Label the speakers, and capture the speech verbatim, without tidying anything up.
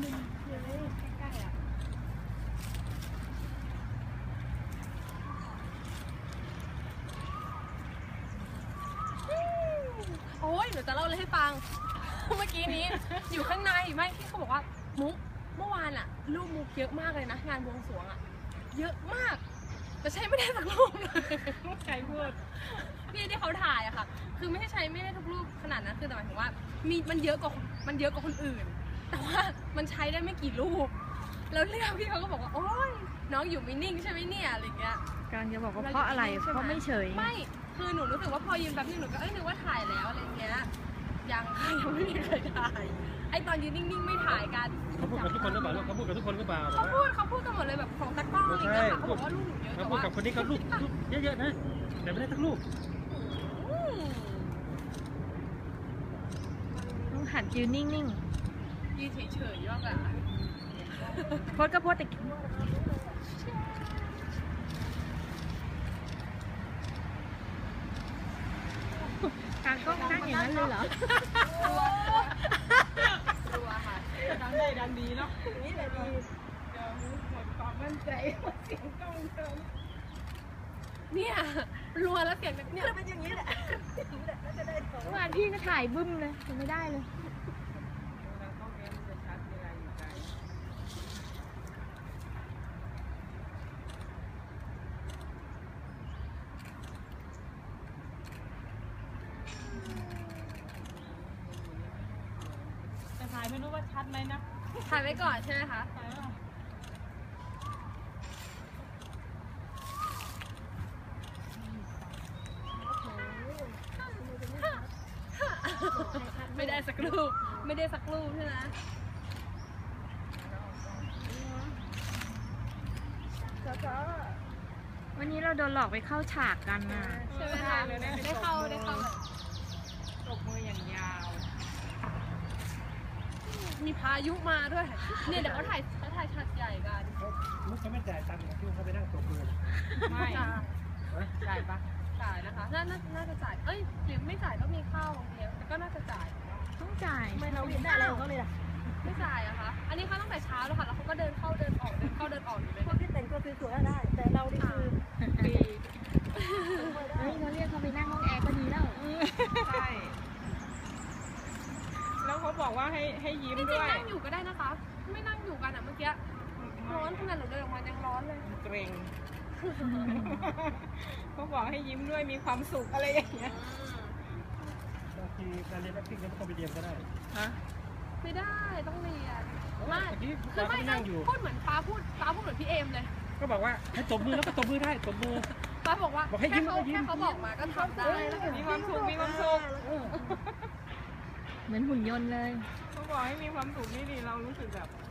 Speaker 1: มุมเลยใกล้ๆอ่ะโอ้ยเดี๋ยวจะเล่าเลยให้ฟัง เมื่อกี้นี้อยู่ข้างในไม่ที่เขาบอกว่ามุกเมื่อวานอะรูปมุกเยอะมากเลยนะงานบวงสรวงอะเยอะมากแต่ใช้ไม่ได้สักรูปเลยใครพูดพี่ที่เขาถ่ายอะค่ะคือไม่ใช่ใช้ไม่ได้ทุกรูปขนาดนั้นคือแต่หมายถึงว่ามีมันเยอะกว่ามันเยอะกว่าคนอื่นแต่ว่ามันใช้ได้ไม่กี่รูปแล้วเรื่องพี่เขาก็บอกว่าโอ๊ยน้องอยู่ไม่นิ่งใช่ไหมเนี่ยอะไรเงี้ย
Speaker 2: การจะบอกว่าเพราะอะไรเพราะไม่เฉย
Speaker 1: ไม่คือหนูรู้สึกว่าพอยืนแบบนี้หนูก็เอ้ยนึกว่าถ่ายแล้วอะไรเงี้ยยังยังไม่มีใครถ่ายไอตอนยืนนิ่งๆไม่ถ่ายกัน
Speaker 3: เขาพูดกับทุกคนหรือเปล่าเขาพูดกับทุกคนหรือเปล่า
Speaker 1: เขาพูดเขาพูดกันหมดเลยแบบของตะกร้ออะไรเงี้ยค่ะเขาบอกว่าลูกหนูเยอะแต่ว่า
Speaker 3: เขาพูดกับคนนี้เขาลูกเยอะๆนะแต่ไม่ได้ทั้งลูก
Speaker 2: ต้องหัดยืนนิ่งๆ
Speaker 1: ยืนเฉยๆว่าแบบ
Speaker 2: โพสก็โพสแต่ทางก็นั่งอย่างนั้นเลยเหรอ
Speaker 1: รัวรัวค่ะดังได้ดังดีเนาะนี่แหละดีเดี๋ยวหมดความมั่นใจหมดเสียงกล้องเติมเนี่ยรัวแล้วเสียงเนี่ยเป็นอย่างนี้แหละ
Speaker 2: เมื่อวานพี่ก็ถ่ายบึ้มเลยยังไม่ได้เลย
Speaker 1: ถ่ายไม่รู้ว่าชัดไหมนะถ่ายไว้ก่อนใช่ไหมคะไม่ได้สักรูปไม่ได้สักรูปใช่ไหม
Speaker 2: วันนี้เราโดนหลอกไปเข้าฉากกันน่ะ
Speaker 1: ใช่ไหมคะได้เข้าได้เข้า
Speaker 2: ตบมืออย่างยาว
Speaker 1: มีพายุมาด้วยเนี่ยเดี๋ยวเขาถ่ายเขาถ่ายฉากใหญ่กัน
Speaker 3: มุกเขาไม่จ่ายตังค์ที่เขาไปนั่งตบมือ
Speaker 1: ไม่จ่ายปะจ่ายนะคะน่าน่าจะจ่ายเอ้ยหรือไม่จ่ายก็มีข้าวบางทีแต่ก็น่าจะจ่าย
Speaker 2: ต้องจ่าย
Speaker 1: ไม่เราเห็นได้อะไรของเขาเลยล่ะไม่จ่ายอะคะอันนี้เขาตั้งแต่เช้าแล้วค่ะแล้วเขาก็เดินเข้าเดินออกเดินเข้าเดินออกอยู่เลย
Speaker 4: พวกที่แต่งตัวสวยๆได้แต่เราดิคือ
Speaker 1: ปี
Speaker 2: เฮ้ยเขาเรียกเขาไปนั่งห้องแอร์ก็ดีแล้ว
Speaker 4: ใช่แล้วเขาบอกว่าให้ให้ยิ้มด้วย
Speaker 1: นั่งอยู่ก็ได้นะคะไม่นั่งอยู่กันอะเมื่อกี้ร้อนขนาดหนูเดินออกมายังร้อนเลย
Speaker 4: เกรงเขาบอกให้ยิ้มด้วยมีความสุขอะไรอย่างเงี้ย
Speaker 3: บางทีการเรียน acting ก็ต้องไปเรียนก็ได้
Speaker 4: ฮะ
Speaker 1: ไม่ได้ต้องเรียนไม่คือไม่นั่งอยู่พูดเหมือนป้าพูดป้าพูดเหมือนพี่เอมเลย
Speaker 3: ก็บอกว่าให้ตบมือแล้วก็ตบมือได้ตบมือ
Speaker 1: ป้าบอกว่าแค่เขาแค่เขาบอกมาก็ทำได้
Speaker 4: มีความสุขมีความสุข
Speaker 2: เหมือนหุ่นยนต์เลย
Speaker 4: เขาบอกให้มีความสุขนี่ดีเรารู้สึกแบบ